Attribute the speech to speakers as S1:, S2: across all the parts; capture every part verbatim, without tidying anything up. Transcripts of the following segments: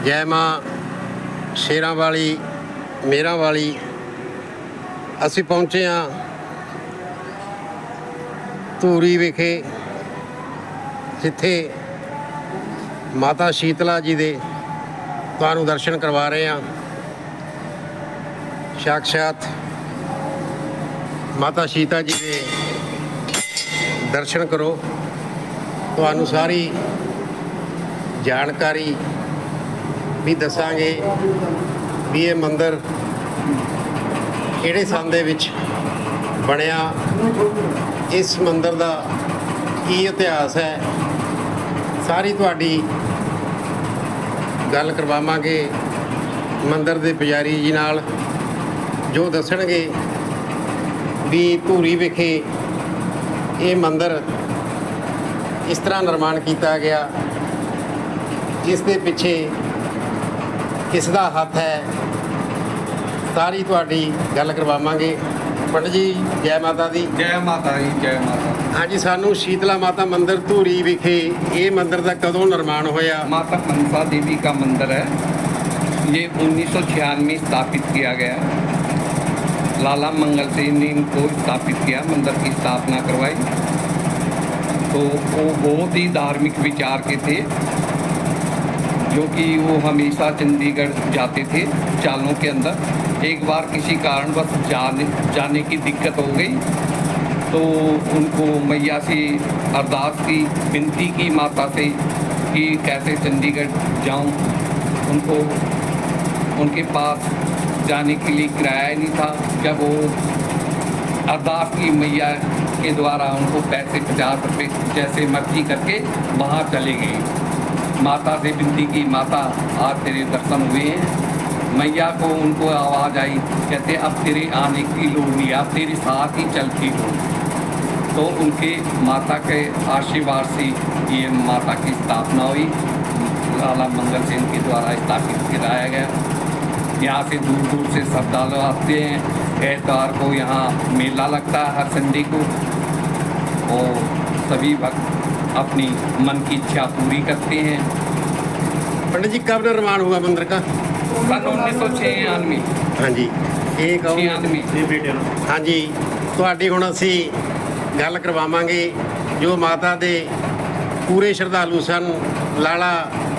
S1: जय माँ शेरां वाली मेरां वाली। असी पहुँचे हाँ धूरी विखे, जिथे माता शीतला जी दे तुहानूं दर्शन करवा रहे हैं। साक्षात माता सीता जी के दर्शन करो, तुहानूं सारी जानकारी भी दसांगे भी ये मंदिर किहड़े सन दे विच बनिया, इस मंदिर दा की इतिहास है, सारी तुहाडी गल करवावांगे मंदिर दे पुजारी जी नाल, जो दसणगे भी धूरी विखे ये मंदिर इस तरह निर्माण किया गया, इस दे पिछे किसदा हथ है, सारी तुहाडी गल करवावांगे। पंडित जी जय माता दी।
S2: जय माता जी, जय माता।
S1: हाँ जी, सानू शीतला माता मंदिर धूरी विखे ये मंदिर का कदों निर्माण होया?
S2: माता मनसा देवी का मंदिर है, ये उन्नीस सौ छियानवे स्थापित किया गया। लाला मंगल सेन ने इनको स्थापित किया, मंदिर की स्थापना करवाई। तो वो बहुत ही धार्मिक विचार के थे, जो कि वो हमेशा चंडीगढ़ जाते थे चालों के अंदर। एक बार किसी कारणवश जाने जाने की दिक्कत हो गई, तो उनको मैया से अरदास की, विनती की माता से कि कैसे चंडीगढ़ जाऊं। उनको उनके पास जाने के लिए किराया नहीं था। जब वो अरदास की मैया के द्वारा उनको पैसे पचास रुपये जैसे मर्जी करके वहाँ चले गए। माता से विनती की, माता आज तेरे दर्शन हुए हैं। मैया को उनको आवाज़ आई, कहते अब तेरे आने की लोड़ नहीं, अब तेरे साथ ही चलती हो। तो उनके माता के आशीर्वाद से ये माता की स्थापना हुई, लाला मंगल सेन के द्वारा स्थापित कराया गया। यहाँ से दूर दूर से श्रद्धालु आते हैं। एतवार को यहाँ मेला लगता है हर संडे को, और सभी भक्त अपनी मन की इच्छा पूरी करते हैं।
S1: पंडित जी कब निर्माण हुआ मंदिर का?
S2: सन उन्नीस सौ छियानवे।
S1: हाँ जी, एक
S2: छियानवे।
S1: हाँ जी, तुहाडी हुण असी गल करवावांगे जो माता दे पूरे श्रद्धालु सन। लाला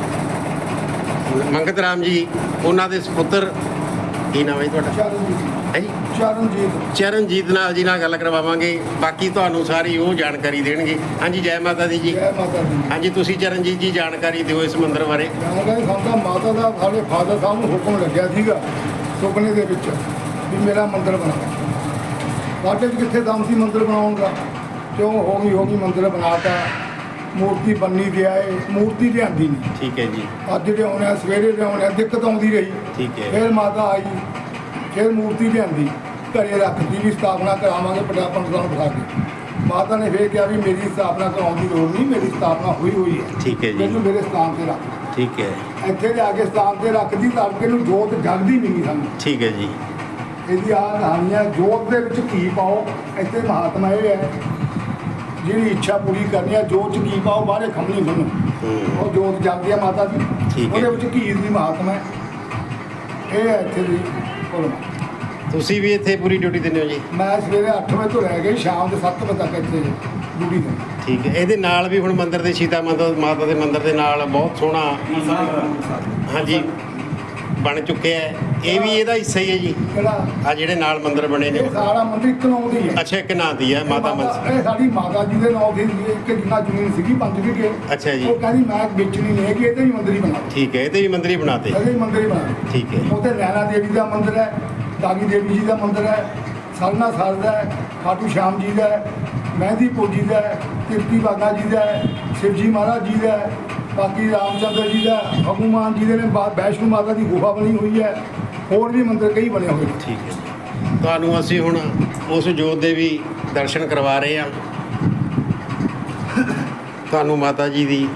S1: मंगत राम जी उन्हां दे सुपुत्र, की नाम है तुहाडा? है जी
S3: चरणजीत
S1: चरणजीत नाल जी नाल गल करवावांगे, बाकी तुहानूं सारी वो जानकारी देणगे। हाँ जी, जय माता दी जी।
S3: जय माता दी।
S1: हाँ जी, तुसीं चरणजीत जी जानकारी दिओ इस मंदिर बारे।
S3: ਜਾਣਕਾਰੀ ਸਾਨੂੰ ਮਾਤਾ ਦਾ ਸਾਡੇ ਫਾਦਰ ਸਾਹਿਬ ਨੂੰ ਹੁਕਮ ਲੱਗਿਆ ਸੀਗਾ ਸੁਪਨੇ ਦੇ ਵਿੱਚ ਵੀ ਮੇਰਾ ਮੰਦਿਰ ਬਣਾ। ਸਾਡੇ 'ਚ ਕਿੱਥੇ ਦਮ ਸੀ ਮੰਦਿਰ ਬਣਾਉਣ ਦਾ, ਕਿਉਂ ਹੋ ਗਈ ਹੋ ਗਈ ਮੰਦਿਰ ਬਣਾਤਾ। ਮੂਰਤੀ ਬੰਨੀ ਗਿਆ ਏ, ਮੂਰਤੀ ਲਿਆਂਦੀ ਨਹੀਂ।
S1: ठीक है जी,
S3: ਅੱਜ ਲਿਆਉਂਦੇ ਆ, ਸਵੇਰੇ ਲਿਆਉਂਦੇ ਆ, ਦਿੱਕਤ ਆਉਂਦੀ ਰਹੀ।
S1: ठीक है।
S3: ਫਿਰ ਮਾਤਾ ਆਈ, ਫਿਰ ਮੂਰਤੀ ਲਿਆਂਦੀ, ਘਰੇ ਰੱਖਦੀ ਵੀ ਸਥਾਪਨਾ ਕਰਾਵਾਂਗੇ ਪਟਾਪਨ ਤੁਹਾਨੂੰ ਬਿਠਾ ਕੇ। ਮਾਤਾ ਨੇ ਫਿਰ ਕਿਹਾ ਵੀ ਮੇਰੀ ਸਥਾਪਨਾ ਕਰਾਉਣ ਦੀ ਲੋੜ ਨਹੀਂ, ਮੇਰੀ ਸਥਾਪਨਾ ਹੋਈ ਹੋਈ ਹੈ।
S1: ठीक है जी,
S3: ਮੈਨੂੰ ਮੇਰੇ ਸਥਾਨ ਤੇ ਰੱਖ।
S1: ठीक है,
S3: ਇੱਥੇ ਲਿਆ ਕੇ ਸਥਾਨ ਤੇ ਰੱਖਦੀ, ਤੜਕੇ ਨੂੰ ਜੋਤ ਜਗਦੀ ਨਹੀਂ ਸਾਨੂੰ।
S1: ठीक है जी।
S3: ਇਹਦੀ ਆਹ ਕਹਾਣੀਆਂ, ਜੋਤ ਦੇ ਵਿੱਚ ਘੀ ਪਾਓ। ਇੱਥੇ ਮਹਾਤਮਾ ਇਹ ਹੈ, ਜਿਹੜੀ ਇੱਛਾ ਪੂਰੀ ਕਰਨੀ ਹੈ ਜੋਤ 'ਚ ਘੀ ਪਾਓ, ਬਾਹਰੇ ਖੰਮਣੀ ਬੰਨੋ,
S1: हम्म,
S3: ਉਹ ਜੋਤ ਜਗਦੀ ਹੈ ਮਾਤਾ ਦੀ।
S1: ਠੀਕ ਹੈ।
S3: ਉਹਦੇ ਵਿੱਚ ਘੀ ਦੀ ਮਹਾਤਮਾ ਹੈ। ਇਹ ਹੈ ਇੱਥੇ ਦੀ ਕੋਲ।
S1: ਤੁਸੀਂ ਵੀ ਇੱਥੇ ਪੂਰੀ ਡਿਊਟੀ ਦਿੰਦੇ ਹੋ ਜੀ?
S3: ਮੈਂ ਸਵੇਰੇ ਅੱਠ ਵਜੇ ਤੋਂ ਲੈ ਕੇ ਸ਼ਾਮ ਦੇ ਸੱਤ ਵਜੇ ਤੱਕ ਇੱਥੇ ਡਿਊਟੀ ਤੇ।
S1: ਠੀਕ ਹੈ। ਇਹਦੇ ਨਾਲ ਵੀ ਹੁਣ ਮੰਦਿਰ ਦੇ ਸੀਤਾ ਮਾਤਾ ਮਾਤਾ ਦੇ ਮੰਦਿਰ ਦੇ ਨਾਲ ਬਹੁਤ ਸੋਹਣਾ ਹਾਂਜੀ ਬਣ ਚੁੱਕਿਆ ਹੈ। ਇਹ ਵੀ ਇਹਦਾ ਹਿੱਸਾ ਹੀ ਹੈ ਜੀ?
S3: ਜਿਹੜਾ
S1: ਆ ਜਿਹੜੇ ਨਾਲ ਮੰਦਿਰ ਬਣੇ ਨੇ?
S3: ਇਹ ਸਾਰਾ ਮੰਦਿਰ ਇੱਕ ਨਾਮ ਦੀ ਹੈ।
S1: ਅੱਛਾ, ਇੱਕ ਨਾਂ ਦੀ ਹੈ ਮਾਤਾ ਮਨਸਾ।
S3: ਇਹ ਸਾਡੀ ਮਾਤਾ ਜੀ ਦੇ ਨਾਮ ਦੀ ਇੱਕ ਜਿੰਨਾ ਜ਼ਮੀਨ ਸੀਗੀ ਪੰਜ ਵਿਗੇ।
S1: ਅੱਛਾ ਜੀ।
S3: ਉਹ ਕਹਿੰਦੀ ਮੈਂ ਵੇਚਣੀ ਨਹੀਂ ਹੈਗੀ, ਇਹਦੇ ਵੀ ਮੰਦਿਰ ਹੀ ਬਣਾ।
S1: ਠੀਕ ਹੈ, ਇਹਦੇ ਵੀ ਮੰਦਿਰ ਹੀ ਬਣਾਤੇ?
S3: ਇਹਦੇ ਵੀ ਮੰਦਿਰ ਹੀ ਬਣਾ।
S1: ਠੀਕ ਹੈ।
S3: ਉੱਥੇ ਨੈਣਾ ਦੇਵੀ ਦਾ ਮੰਦਿਰ ਹੈ, ਦਾਗੀ ਦੇਵੀ ਜੀ ਦਾ ਮੰਦਿਰ ਹੈ, ਸਰਨਾ ਸਰ ਦਾ ਹੈ, ਖਾਟੂ ਸ਼ਾਮ ਜੀ ਦਾ ਹੈ, ਮਹਿੰਦੀਪੁਰ ਜੀ ਦਾ ਹੈ, ਕਿਰਤੀ ਬਾਗਾ ਜੀ ਦਾ ਹੈ, ਸ਼ਿਵਜੀ ਮਹਾਰਾਜ ਜੀ ਦਾ ਹੈ, ਬਾਕੀ ਰਾਮਚੰਦਰ ਜੀ ਦਾ, ਹਨੂਮਾਨ ਜੀ ਦੇ ਨੇ, ਬਾ- ਵੈਸ਼ਨੂ ਮਾਤਾ ਦੀ ਗੁਫਾ ਬਣੀ ਹੋਈ ਹੈ, ਹੋਰ ਵੀ ਮੰਦਿਰ ਕਈ ਬਣੇ ਹੋਏ ਨੇ।
S1: ਠੀਕ ਹੈ ਜੀ। ਤੁਹਾਨੂੰ ਅਸੀਂ ਹੁਣ ਉਸ ਜੋਤ ਦੇ ਵੀ ਦਰਸ਼ਨ ਕਰਵਾ ਰਹੇ ਹਾਂ। ਤੁਹਾਨੂੰ ਮਾਤਾ ਜੀ ਦੀ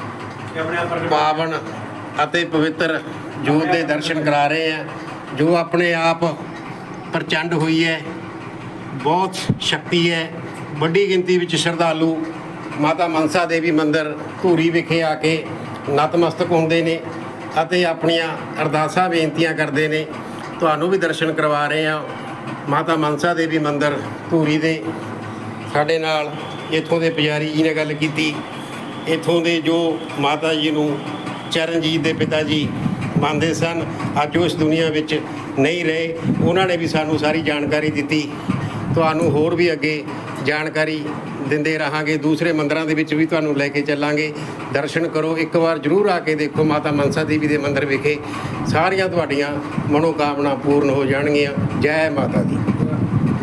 S1: ਪਾਵਨ ਅਤੇ ਪਵਿੱਤਰ ਜੋਤ ਦੇ ਦਰਸ਼ਨ ਕਰਾ ਰਹੇ ਹਾਂ, ਜੋ ਆਪਣੇ ਆਪ ਪ੍ਰਚੰਡ ਹੋਈ ਹੈ। ਬਹੁਤ ਸ਼ਕਤੀ ਹੈ, ਵੱਡੀ ਗਿਣਤੀ ਵਿੱਚ ਸ਼ਰਧਾਲੂ ਮਾਤਾ ਮਨਸਾ ਦੇਵੀ ਮੰਦਿਰ ਧੂਰੀ ਵਿਖੇ ਆ ਕੇ ਨਤਮਸਤਕ ਹੁੰਦੇ ਨੇ ਅਤੇ ਆਪਣੀਆਂ ਅਰਦਾਸਾਂ ਬੇਨਤੀਆਂ ਕਰਦੇ ਨੇ। ਤੁਹਾਨੂੰ ਵੀ ਦਰਸ਼ਨ ਕਰਵਾ ਰਹੇ ਹਾਂ ਮਾਤਾ ਮਨਸਾ ਦੇਵੀ ਮੰਦਿਰ ਧੂਰੀ ਦੇ। ਸਾਡੇ ਨਾਲ ਇੱਥੋਂ ਦੇ ਪੁਜਾਰੀ ਜੀ ਨੇ ਗੱਲ ਕੀਤੀ। ਇੱਥੋਂ ਦੇ ਜੋ ਮਾਤਾ ਜੀ ਨੂੰ ਚਰਨਜੀਤ ਦੇ ਪਿਤਾ ਜੀ ਮੰਨਦੇ ਸਨ, ਅੱਜ ਉਹ ਇਸ ਦੁਨੀਆ ਵਿੱਚ ਨਹੀਂ ਰਹੇ। ਉਹਨਾਂ ਨੇ ਵੀ ਸਾਨੂੰ ਸਾਰੀ ਜਾਣਕਾਰੀ ਦਿੱਤੀ। ਤੁਹਾਨੂੰ ਹੋਰ ਵੀ ਅੱਗੇ ਜਾਣਕਾਰੀ ਦਿੰਦੇ ਰਹਾਂਗੇ। ਦੂਸਰੇ ਮੰਦਿਰਾਂ ਦੇ ਵਿੱਚ ਵੀ ਤੁਹਾਨੂੰ ਲੈ ਕੇ ਚੱਲਾਂਗੇ। ਦਰਸ਼ਨ ਕਰੋ, ਇੱਕ ਵਾਰ ਜ਼ਰੂਰ ਆ ਕੇ ਦੇਖੋ ਮਾਤਾ ਮਨਸਾ ਦੇਵੀ ਦੇ ਮੰਦਿਰ ਵਿਖੇ। ਸਾਰੀਆਂ ਤੁਹਾਡੀਆਂ ਮਨੋਕਾਮਨਾ ਪੂਰਨ ਹੋ ਜਾਣਗੀਆਂ। ਜੈ ਮਾਤਾ ਦੀ।